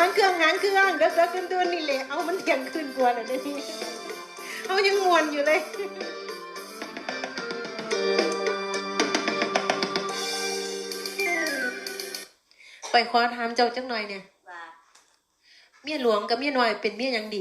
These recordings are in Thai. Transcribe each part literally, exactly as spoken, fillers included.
างเครื่องหางเครื่องเด็กเด็กกันตัวนี่แหละเอามันเถียงขึ้นกว่าเลยนี่เอายังมวนอยู่เลยไปขอถามเจ้าจังหน่อยเนี่ยเมียหลวงกับเมียน้อยเป็นเมียยังดี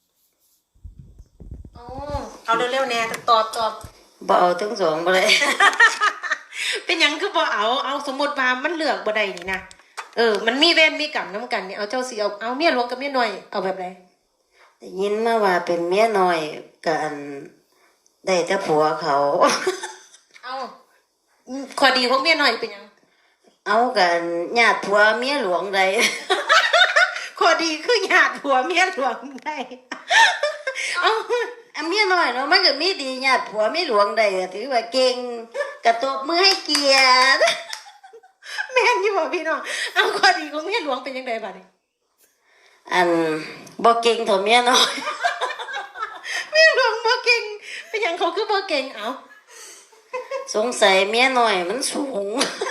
อ๋อเอาเร็วๆแน่ตอบตอบบ่เอาทั้งสองบ่เลยเป็นยังคือบ่เอาเอาสมมติว่ามันเลือกบ่ได้นี่นะเออมันมีเวรมีกรรมน้ำกันเนี่ยเอาเจ้าสิเอาเอาเมียหลวงกับเมียน้อยเอาแบบไหนได้ยินมาว่าเป็นเมียน้อยกันได้แต่ผัวเขาเอาข้อดีของเมียน้อยเป็นยังเอากันญาติผัวเมียหลวงใดข้อดีคือญาติผัวเมียหลวงได้เอาอันเมียน้อยเนาะมันก็มีดีญาติผัวเมียหลวงใดถือว่าเก่งกระตบมือให้เกียรติแม่นอยู่บ่พี่น้องเอาข้อดีของเมียหลวงเป็นยังไงบัดนี้อันบ่เก่งเท่าเมียน้อยเมียหลวงบ่เก่งเป็นหยังเขาคือบ่เก่งเอาสงสัยเมียน้อยมันสูง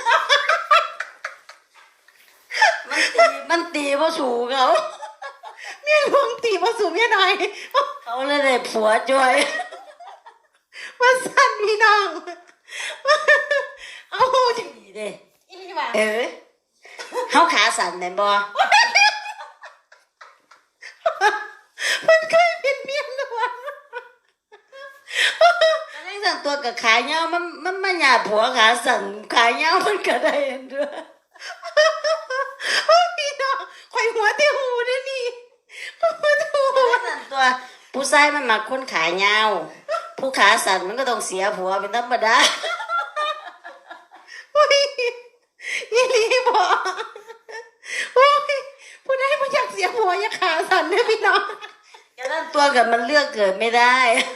มันตีมันตีบ่สูงเขาเมียหลวงตีบ่สูงเมียน้อยเขาเลยได้ผัวจ่อยว่าสั่นพี่น้องเอาดีเด้อีนี่ว่าเออเฮาขาสั่นแม่นบ่มันเคยเป็นเมียหลวงอันนี้สั่นตัวกับขาเหย้ามันมันมาหยาดผัวขาสั่นขาเหย้ามันก็ได้เด้อโอ้พี่น้องข่อยหัวที่หูเด้อนี่หัวที่หูสั่นตัวผู้ชายมันมักคนขาเหย้าผู้ขาสั่นมันก็ต้องเสียผัวเป็นธรรมดาโอ้ยยี่ลีบ่โอ้ยผู้ใดบ่อยากเสียผัวอยากขาสั่นเด้อพี่น้องก็นั่นตัวกับมันเลือกเกิดไม่ได้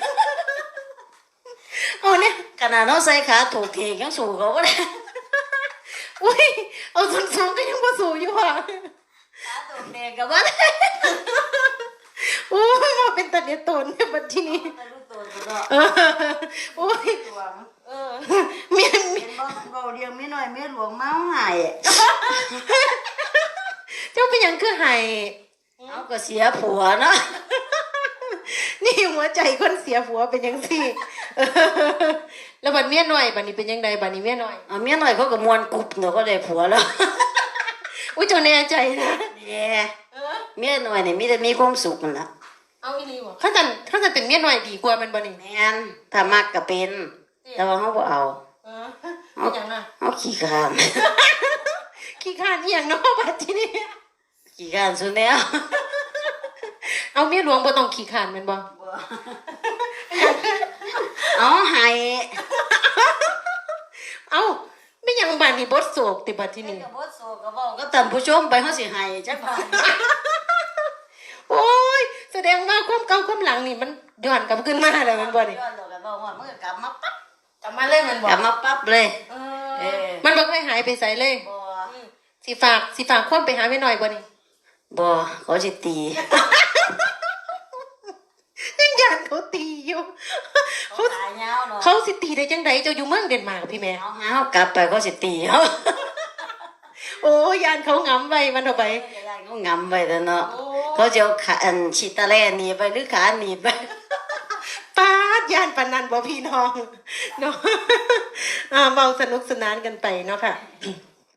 เอาเนี่ยขนาดเราใส่ขาถูกเทยังสู้เขาก็ได้อุ้ยเอาสูงๆก็ยังบ่สู้อยู่ว่ะขาถูกเทกับว่าโอ้ยมาเป็นตาเดียตนเนี่ยบัดทีนี้โอ้ยเออเมียเมียเบาเดียวไม่น้อยเมียหลวงเมาหายเจ้าเป็นยังคือหายเอาก็เสียผัวเนาะนี่หัวใจคนเสียผัวเป็นยังสิแล้วบัดเมียน้อยบัดนี้เป็นยังไงบัดนี้เมียน้อยเอาเมียน้อยเขาก็มวนกุบเนาะก็ได้ผัวแล้วอุ้ยเจ้าแน่ใจนะแย่เมียน้อยนี่มีแต่มีความสุขนั่นล่ะเอาอีหลีบ่ถ้าจันถ้าจันเป็นเมียน้อยดีกว่ามันบ่นี่แม่นถ้ามักก็เป็นแต่ว่าเฮาบ่เอาเออเอาหยังน่ะเฮาขี้คร้านขี้คร้านอีหยังเนาะบัดทีนี้ขี้คร้านซุแนวเอาเมียหลวงบ่ต้องขี้คร้านแม่นบ่เอาให้เอาไม่ยังบัดนี้บทโศกติบัดทีนี้บทโศกก็เว้าก็ท่านผู้ชมไปเฮาสิให้จักบาทโอ้ยแสดงว่าความเก่าความหลังนี่มันย้อนกลับขึ้นมาแล้วมันบ่นี่ย้อนแล้วก็บ่ฮอดมันก็กลับมาปั๊บกลับมาเลยมันบ่กลับมาปั๊บเลยเออมันบ่เคยหายไปไสเลยบ่สิฝากสิฝากคนไปหาแม่น้อยบ่นี่บ่เขาสิตียังย่านเขาตีอยู่เขาตายยาวเนาะเขาสิตีได้จังไดเจ้าอยู่เมืองเดนมาร์กพี่แม่เอาหาเฮากลับไปเขาสิตีเฮาโอ้ยานเขางำไว้มันเอาไปยานเขางำไว้แล้วเนาะเขาจะเอาขาอันชิตาแล่หนีไปหรือขาหนีไปป้าดยานปานนันบ่พี่น้องเนาะอ่าเมาสนุกสนานกันไปเนาะค่ะ